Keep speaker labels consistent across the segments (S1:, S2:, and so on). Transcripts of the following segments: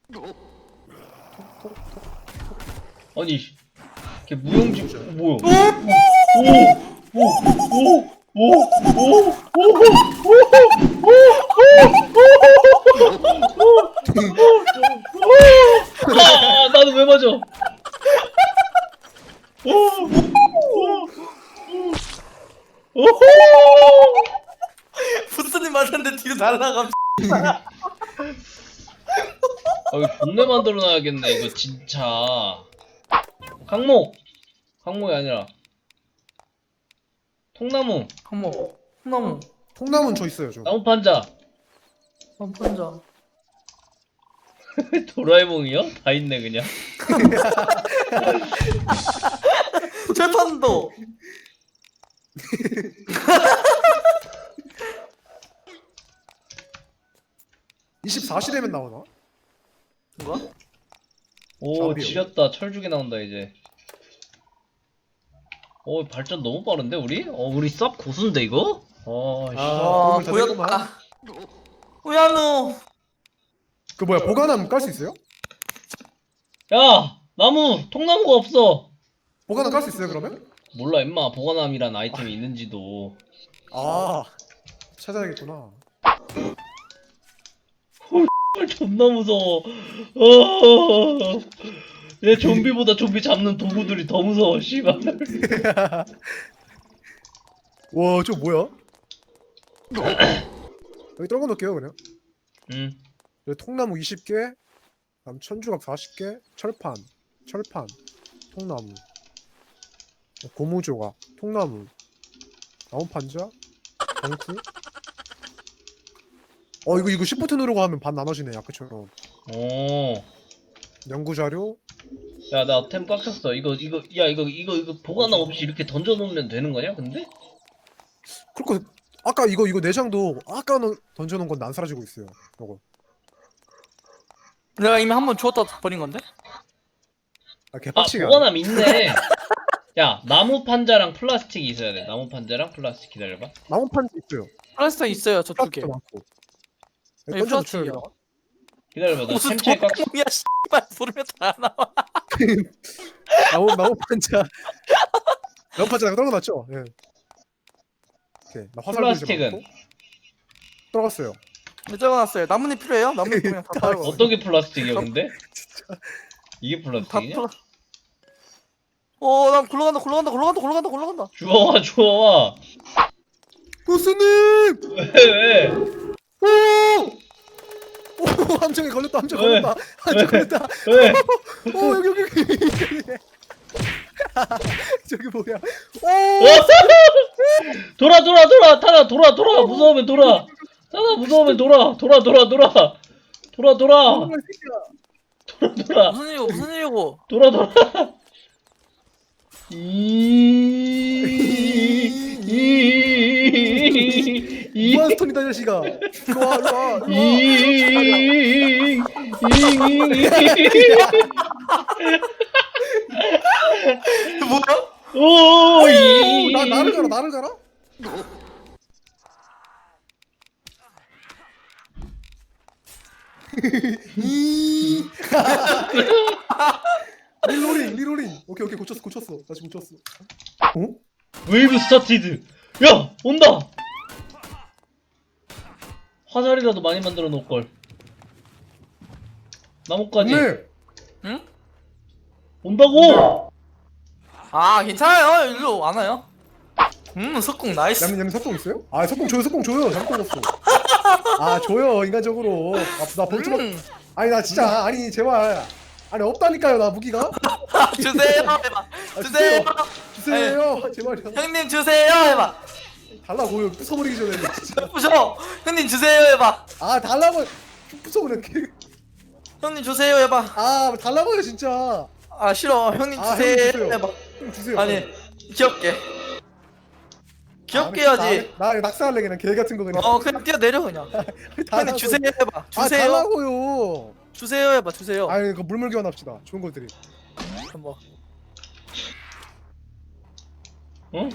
S1: 아니 걔 무용지 뭐야? 아 나도 왜 맞아?
S2: 부스님 맞았는데 뒤로 날아감.
S1: 아 이거 존내 만들어놔야겠네 이거 진짜. 강목이 아니라 통나무.
S2: 어머, 콩나무,
S3: 통나무는 저 있어요 저.
S1: 나무 판자.
S2: 원판자.
S1: 도라에몽이요? 다 있네 그냥.
S2: 철판도.
S3: 24시대면 나오나?
S2: 뭐야?
S1: 오
S3: 잡이요.
S1: 지렸다. 철쭉이 나온다 이제. 발전 너무 빠른데 우리? 우리 쌉 고수인데 이거? 씨.
S2: 와,
S3: 도움을 다
S2: 보였다. 우야노.
S3: 그 뭐야 보관함 깔 수 있어요?
S1: 야 통나무가 없어.
S3: 보관함 깔 수 있어요 그러면?
S1: 몰라 임마 보관함이란 아이템이 있는지도.
S3: 아 찾아야겠구나.
S1: 존나 무서워. 얘 좀비보다 좀비 잡는 도구들이 더 무서워 씨발.
S3: 와 저 뭐야? 여기 떨궈 놓을게요 그냥. 여기 통나무 20개, 그다음 천주각 40개, 철판, 통나무, 고무조각, 통나무, 나무 판자, 덩쿠. 이거 시프트 누르고 하면 반 나눠지네 아까처럼.
S1: 오.
S3: 연구 자료.
S1: 야 나 템 꽉 찼어. 이거 보관함 없이 이렇게 던져놓으면 되는 거냐 근데?
S3: 그리고 아까 이거 내장도 아까 던져놓은 건 안 사라지고 있어요. 이거.
S2: 내가 이미 한 번 주웠다 버린 건데?
S3: 개빡치게.
S1: 보관함 있네. 야 나무 판자랑 플라스틱이 있어야 돼. 나무 판자랑 플라스틱 기다려봐.
S3: 나무 판자 있어요.
S2: 플라스틱 있어요, 저 두 개.
S3: 플라스틱도 많고.
S2: 아니,
S3: 던져
S2: 플라스틱이요.
S3: 놓쳐요.
S1: 기다려봐. 나
S2: 무슨
S1: 템체에 꽉.
S2: 도둑놈이야, 씨발. 부르면 다 나와.
S3: 나무 판자. 나무 판자 떨궈놨죠? 예. 오케이. 나 화살
S1: 플라스틱은
S3: 떨궜어요.
S2: 네, 적어놨어요. 나뭇잎 필요해요? 나뭇잎 그냥 다 따로.
S1: 어떤 게 플라스틱이야 근데? 이게 플라스틱이냐?
S2: 나 굴러간다.
S1: 주워와.
S3: 보스님!
S1: 왜?
S3: 오! 함정에 걸렸다. 함정
S1: 왜?
S3: 걸렸다. 함정 걸렸다.
S1: 왜?
S3: 여기. 저기 뭐야? 오!
S1: 돌아 타나 돌아 무서우면 돌아. 타나 무서우면 돌아.
S2: 무슨 일이고?
S1: 돌아.
S3: 무한 스톤이다 이 자식아. 일로 와.
S2: 뭐야?
S3: 나를 가라? 리로링. 오케이 고쳤어. 다시 고쳤어. 어?
S1: 웨이브 스타티드. 야 온다. 화살이라도 많이 만들어 놓을 걸. 나뭇가지
S3: 네.
S2: 응?
S1: 온다고.
S2: 아, 괜찮아요. 일로 안 와요. 석궁 나이스.
S3: 얌얌 석공 있어요? 아 석공 줘요. 잘못 먹었어. 아 줘요 인간적으로. 나 벌써 아니 나 진짜 아니 제발. 아니 없다니까요 나 무기가.
S2: 주세요. 해봐. 주세요.
S3: 주세요 제발요.
S2: 형님 주세요. 해봐.
S3: 달라고요 부숴버리기 전에 진짜.
S2: 부셔. 형님 주세요. 해봐.
S3: 아 달라고 부숴버려.
S2: 형님 주세요. 해봐.
S3: 아 달라고요 진짜.
S2: 아 싫어. 형님
S3: 아,
S2: 주세요.
S3: 형님 주세요.
S2: 해봐.
S3: 형 주세요.
S2: 아니 귀엽게. 귀엽게 해야지.
S3: 나 낙사할래 그냥 개 같은 거 그냥.
S2: 그냥 뛰어내려 그냥. 형님
S3: 달라고.
S2: 주세요. 해봐.
S3: 아
S2: 주세요.
S3: 달라고요.
S2: 주세요. 해봐. 주세요.
S3: 아니 그 물물 교환합시다. 좋은 것들이.
S2: 뭐.
S1: 응?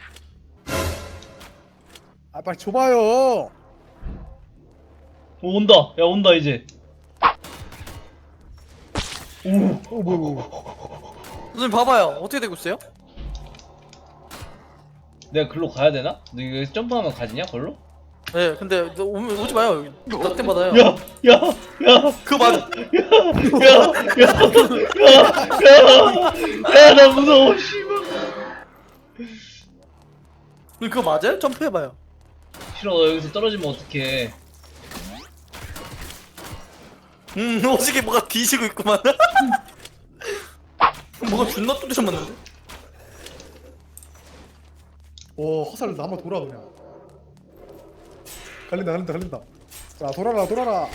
S3: 아 빨리 줘봐요.
S1: 온다. 야 온다 이제.
S3: 뭐야.
S2: 선생님 봐봐요. 어떻게 되고 있어요?
S1: 내가 글로 가야 되나? 너 이거 점프하면 가지냐 걸로?
S2: 네, 근데 너 오지 마요. 여기 낙템 받아요.
S1: 야!
S2: 그거 맞아.
S1: 야, 나 무서워, 씨발.
S2: 그거 맞아요? 점프해봐요.
S1: 싫어, 너 여기서 떨어지면 어떡해.
S2: 오지게 뭐가 뒤지고 있구만. 뭐가 존나 뚜드려 맞는데?
S3: 화살 나만 돌아 그냥. 갈린다. 자 돌아라.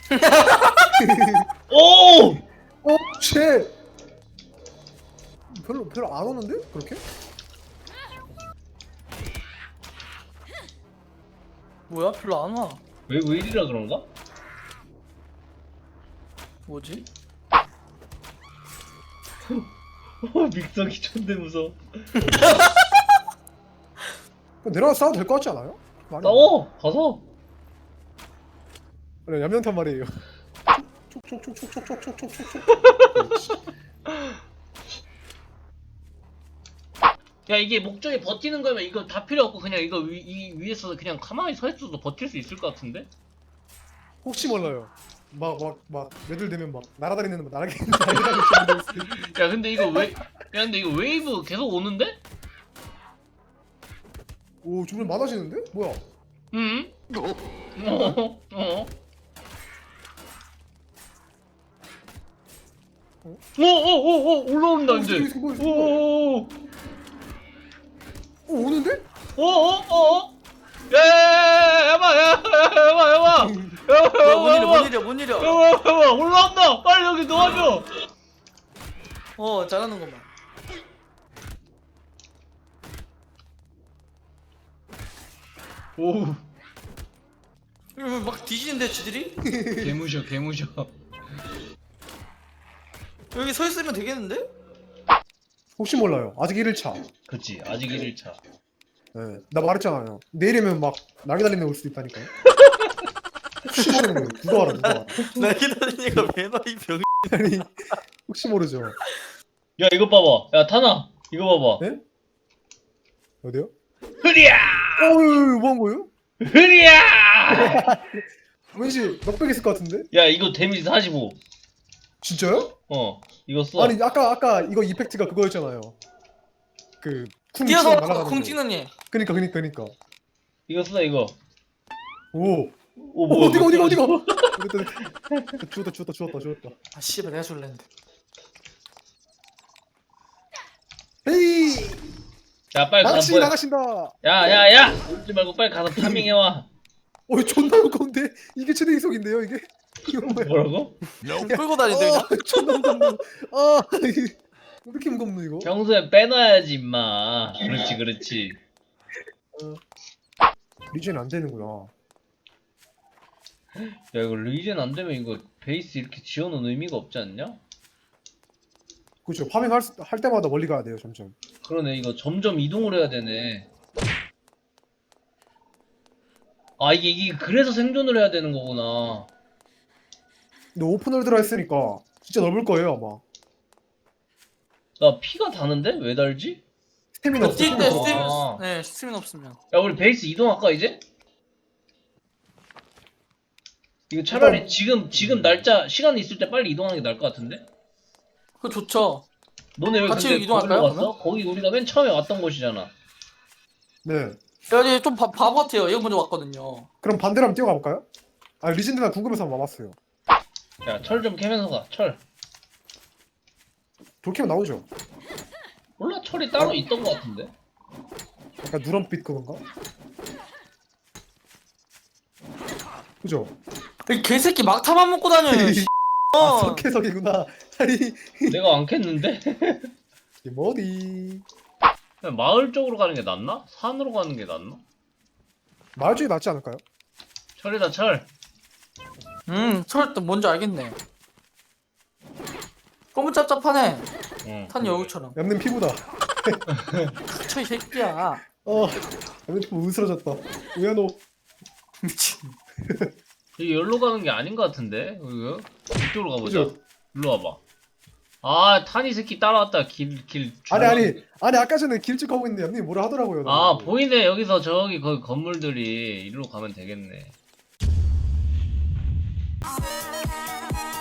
S1: 오!
S3: 쉣. 별로 안 오는데 그렇게?
S2: 뭐야? 별로 안 와.
S1: 왜 이리라 그런가?
S2: 뭐지?
S1: 믹서기 존대 무서워.
S3: 그럼 내려가 싸워도 될 것 같지 않아요?
S1: 싸워! 가서!
S3: 그래 얌전탄 말이에요. 촉촉촉촉촉촉촉촉촉.
S1: 야, 이게 목적이 버티는 거면 이거 다 필요 없고 그냥 이거 이 위에서 그냥 가만히 서 있어도 버틸 수 있을 것 같은데?
S3: 혹시 몰라요. 막 매들 되면 막 날아다니는 날아다니는
S1: 야, 근데 이거 근데 이거 웨이브 계속 오는데?
S3: 오 주변 많아지는데? 뭐야?
S1: 응? 올라온다 이제.
S3: 오는데?
S1: 야야야야야
S2: 뭔 일이야?
S1: 올라온다. 빨리 여기 놓아줘.
S2: 잘하는 것만.
S1: 오,
S2: 막 뒤지는데 지들이?
S1: 개무셔.
S2: 여기 서 있으면 되겠는데?
S3: 혹시 몰라요. 아직 1일차.
S1: 그치, 아직 1일차.
S3: 네, 나 말했잖아요. 내일이면 막 날개 달리는 애 올 수도 있다니까요. 혹시 모르는 거예요. 누가 알아.
S2: 날개 달리니까 매너 이 병.
S3: 아니 혹시 모르죠.
S1: 야, 이거 봐봐. 야, 타나, 이거 봐봐.
S3: 네? 어디요?
S1: 흐리야,
S3: 어유 뭐한 거예요?
S1: 흐리야.
S3: 왠지 넉백 있을 것 같은데?
S1: 야, 이거 데미지 45.
S3: 진짜요?
S1: 이거 써.
S3: 아니 아까 이거 이펙트가 그거였잖아요. 그쿵
S2: 뛰어서
S3: 날아가는
S2: 쿵
S3: 거.
S2: 찍는 얘.
S3: 그니까.
S1: 이거 써, 이거.
S3: 오.
S1: 오, 뭐야,
S3: 어디가? 죽었다.
S2: 아 씨발 내가 줄랬는데.
S3: 에이.
S1: 야, 빨리 가서 보여.
S3: 나가신다.
S1: 야, 울지 말고 빨리 가서 파밍해와.
S3: 존나 무거운데 이게 최대 이속인데요 이게? 이거 뭐야?
S1: 뭐라고?
S2: 끌고 다니는데 그냥?
S3: 존나 무겁네. 이게 왜 이렇게 무겁노 이거?
S1: 평소에 빼놔야지, 임마. 그렇지.
S3: 리젠 안 되는구나.
S1: 야, 이거 리젠 안 되면 이거 베이스 이렇게 지어놓은 의미가 없지 않냐?
S3: 그렇죠. 파밍 할 때마다 멀리 가야 돼요 점점.
S1: 그러네, 이거 점점 이동을 해야 되네. 아, 이게 그래서 생존을 해야 되는 거구나.
S3: 근데 오픈월드라 했으니까 진짜 넓을 거예요 아마.
S1: 나 피가 다는데? 왜 달지?
S3: 스태미나 없어.
S2: 뛸 때
S1: 아.
S2: 스팀 없으면.
S1: 야, 우리 베이스 이동할까, 이제? 이거 차라리 지금 날짜, 시간 있을 때 빨리 이동하는 게 나을 것 같은데?
S2: 그거 좋죠.
S1: 너네 왜
S2: 같이
S1: 근데
S2: 이동할까요,
S1: 거기로 갔어?
S2: 그러면?
S1: 거기 우리가 맨 처음에 왔던 곳이잖아.
S3: 네.
S2: 여기 좀 바보 같아요. 얘가 먼저 왔거든요.
S3: 그럼 반대로 한번 뛰어가 볼까요? 리젠드나 궁금해서 한번 와봤어요.
S1: 야, 철 좀 캐면서 가, 철.
S3: 돌키면 나오죠.
S1: 몰라, 철이 따로 있던 것 같은데?
S3: 약간 누런빛 그건가? 그죠?
S2: 이 개새끼 막타만 먹고 다녀요. 씨.
S3: 석회석이구나. 아니
S1: 내가 안 캤는데?
S3: 이게 뭐니?
S1: 그냥 마을 쪽으로 가는 게 낫나? 산으로 가는 게 낫나?
S3: 마을 쪽이 낫지 않을까요?
S1: 철이다, 철.
S2: 철도 뭔지 알겠네. 꼬무짭짭하네.
S1: 응.
S2: 탄 여우처럼.
S3: 얌는 피부다.
S2: 쳐 이 새끼야.
S3: 얌는 피부 으스러졌다. 우야노.
S2: 미친.
S1: 여기 여기로 가는 게 아닌 것 같은데? 이거? 이쪽으로 가보자.
S3: 그죠?
S1: 일로 와봐. 아 탄이 새끼 따라왔다 길
S3: 아니 아까 전에 길쭉하고 있는데 형님 뭐라 하더라고요.
S1: 아
S3: 나보고.
S1: 보이네 여기서 저기 그 건물들이 일로 가면 되겠네